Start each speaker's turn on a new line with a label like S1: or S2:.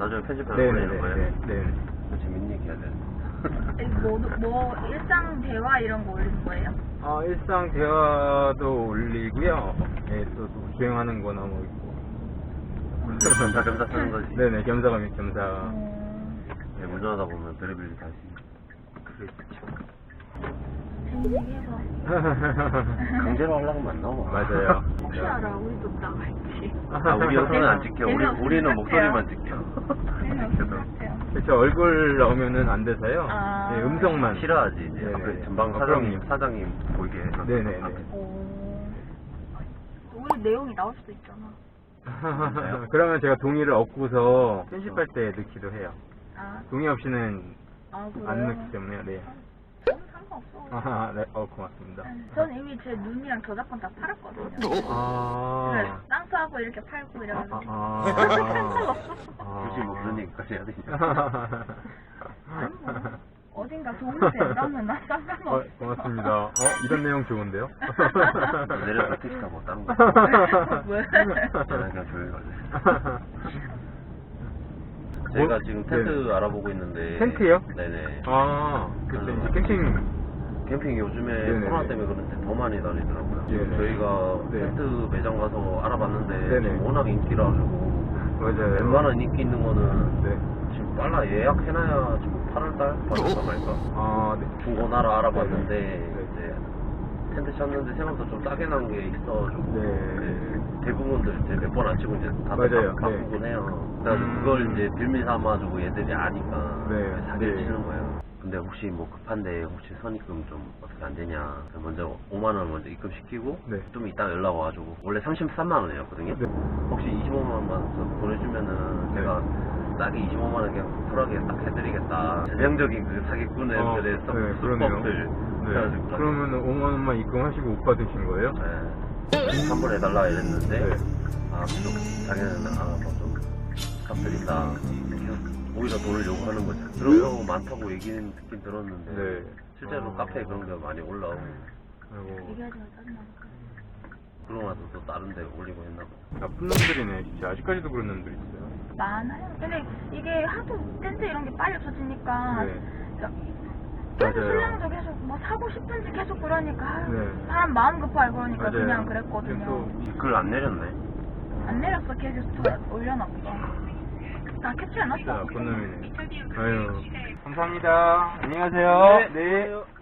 S1: 나중에 편집해서 보내는 거예요?
S2: 네.
S1: 재밌는 얘기 해야 돼.
S3: 뭐 일상 대화 이런 거 올리는 거예요?
S2: 일상 대화도 올리고요. 네, 또 주행하는 거나 뭐 있고.
S1: 겸사 쓰는 거지.
S2: 네네, 겸사.
S1: 네, 운전하다 보면 별의별 다 있으니까.
S3: 재밌게해서
S1: 강제로 하려면 안 나와.
S2: 맞아요.
S3: 혹시 알아? 우리도 나갈지.
S1: 우리 영상은 안 찍혀. 우리는 목소리만 찍혀.
S3: 재미없을 것 같아요.
S2: 그쵸, 얼굴 나오면은 안 돼서요.
S3: 아.
S2: 네, 음성만.
S1: 싫어하지. 이제
S2: 네네.
S1: 앞에 전방
S2: 그럼요.
S1: 사장님 보이게 해서.
S2: 네네네.
S3: 우리 내용이 나올 수도 있잖아.
S2: 그러면 제가 동의를 얻고서 편집할 때 넣기도 해요.
S3: 아,
S2: 동의 없이는
S3: 그래요?
S2: 안 넣기 때문에, 네.
S3: 저는 상관없어.
S2: 네, 고맙습니다.
S3: 전 이미 제 눈이랑 저작권 다 팔았거든요. 네, 땅 사고 이렇게 팔고 이래가지고.
S1: 굳이 뭐 그런 얘기까지 해야 되냐.
S3: 아니 뭐, 어딘가 도움이 된다면 나 상관없어.
S2: 고맙습니다. 이런 내용 좋은데요?
S1: 내려서 택시 타고 다른 거.
S3: 왜?
S1: 저는 그냥 조용히 갈래. 제가 지금 텐트
S2: 네네.
S1: 알아보고 있는데.
S2: 텐트요?
S1: 네네.
S2: 그때 이제
S1: 캠핑 요즘에
S2: 네네.
S1: 코로나 때문에 그런데 더 많이 다니더라고요.
S2: 네네.
S1: 저희가
S2: 네.
S1: 텐트 매장 가서 알아봤는데
S2: 네네.
S1: 지금 워낙 인기라 가지고
S2: 맞아요.
S1: 웬만한 인기 있는 거는
S2: 네.
S1: 지금 빨라 예약해놔야 지금 8월달? 8월달 말까?
S2: 네.
S1: 중고나라 알아봤는데
S2: 네네.
S1: 이제 텐트 찾는데 생각보다 좀 싸게 난 게 있어가지고
S2: 네.
S1: 대부분들 이제 몇 번 안 치고 이제 다
S2: 맞아요.
S1: 바꾸곤 해요. 그래서 그걸 이제 빌미 삼아주고 얘들이 아니까
S2: 네.
S1: 사기를
S2: 네.
S1: 치는 거예요. 근데 혹시 뭐 급한데 혹시 선입금 좀 어떻게 안 되냐? 먼저 5만 원 먼저 입금시키고
S2: 네.
S1: 좀 이따 연락 와가지고 원래 33만 원이었거든요.
S2: 네.
S1: 혹시 25만 원만 더 보내주면은
S2: 네.
S1: 제가 싸게 25만 원 그냥 쿨하게 딱 해드리겠다. 전형적인 그 사기꾼들의 수법들.
S2: 네.
S1: 그래가지고
S2: 그러면 5만 원만 입금하시고 못 받으신 거예요?
S1: 네. 환불해달라 이랬는데
S2: 네.
S1: 또 자기는 뭐좀 값들이다 오히려 돈을 요구하는 거죠. 그런 경우 많다고 얘기는 듣긴 들었는데
S2: 네.
S1: 실제로 카페에 그런 게 많이 올라오고
S2: 아이고,
S3: 얘기하지 마, 짜증나니까.
S1: 그러고 나서 또 다른 데 올리고 했나 봐.
S2: 나쁜 놈들이네, 진짜. 아직까지도 그런 놈들 있어요.
S3: 많아요. 근데 이게 하도 텐트 이런 게 빨리 터지니까
S2: 네.
S3: 텐트
S2: 맞아요.
S3: 신랑도 계속 뭐 사고 싶은지 계속 그러니까
S2: 네.
S3: 사람 마음 급하고 그러니까
S2: 맞아요.
S3: 그냥 그랬거든요.
S2: 계속
S1: 글 안 내렸네.
S3: 안 내렸어. 계속 올려놨어. 다
S2: 진짜
S3: 캡처해놨어.
S2: 나쁜 놈이네. 아유. 감사합니다. 안녕히 가세요. 네.